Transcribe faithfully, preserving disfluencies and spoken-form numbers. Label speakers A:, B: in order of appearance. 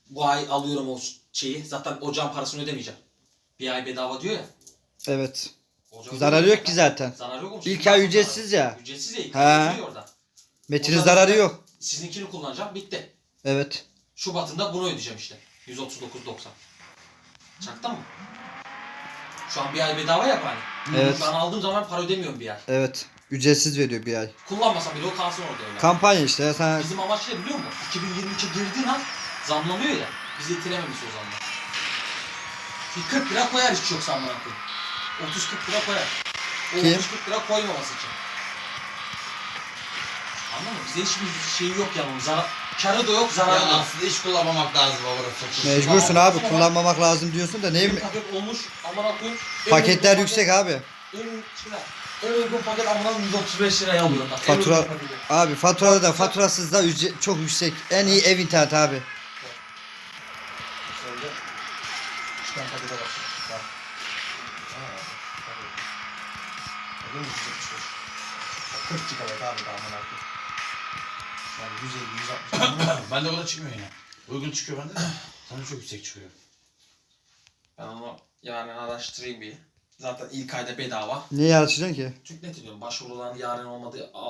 A: bu ay alıyorum o şeyi. Zaten ocağın parasını ödemeyeceğim. Bir ay bedava diyor ya.
B: Evet.
A: Ocağın
B: Zararı yok ki
A: zaten.
B: zaten.
A: Zararı yok mu?
B: İlk
A: Şimdi
B: ay
A: nasıl
B: ücretsiz
A: zararı?
B: ya.
A: Ücretsiz ya. İlk
B: He.
A: ay yazıyor orada.
B: Metin'in
A: Ocağın
B: zararı
A: zaten
B: yok.
A: Sizinkini kullanacağım. Bitti.
B: Evet.
A: Şubat'ında bunu ödeyeceğim işte. yüz otuz dokuz doksan. Çaktın mı? Şu an bir ay bedava yap hani.
B: Evet.
A: Şu an aldığım zaman para ödemiyorum bir ay.
B: Evet. Ücretsiz veriyor bir ay.
A: Kullanmasam bile o kalsın orada öyle.
B: Kampanya işte ya sana.
A: Bizim amaç ne biliyor musun? iki bin yirmi üçe girdiğin an zamlanıyor ya. Bizi itirememiş o zaman. Bir kırk lira koyar hiç yoksa amına koyayım. otuz kırk lira koyar. O
B: Kim?
A: otuz kırk lira koymaması için. Anladın mı? Bize hiçbir şey yok yani. Zarar, karı da yok, zararı da
C: Ya
A: yok.
C: aslında hiç kullanmamak lazım orası.
B: Mecbursun abi, kullanmamak lazım diyorsun da ne
A: Bir paket olmuş amına koyayım. en
B: paketler
A: uygun
B: yüksek
A: paket-
B: abi.
A: En uygun lira. En uygun paket amına yüz otuz beş liraya alıyorum bak. En
B: Fatura
A: uygun paketi.
B: abi faturada da faturasız da ücret çok yüksek. En iyi ev interneti abi.
A: Şöyle çıkan pakete bak. Bak. Aa, tabii. Bakın yüz yetmiş beş. Bak, kırk gigabayt abi daha amına koyayım. Yani yüz elli yüz altmış.
C: Bende o da çıkmıyor yine. Uygun çıkıyor bende de. Sana çok yüksek çıkıyor.
A: Ben onu yani araştırayım bir. Zaten ilk ayda bedava.
B: Niye yarışacaksın ki?
A: Çünkü ne diyorum başvurulan yarın olmadığı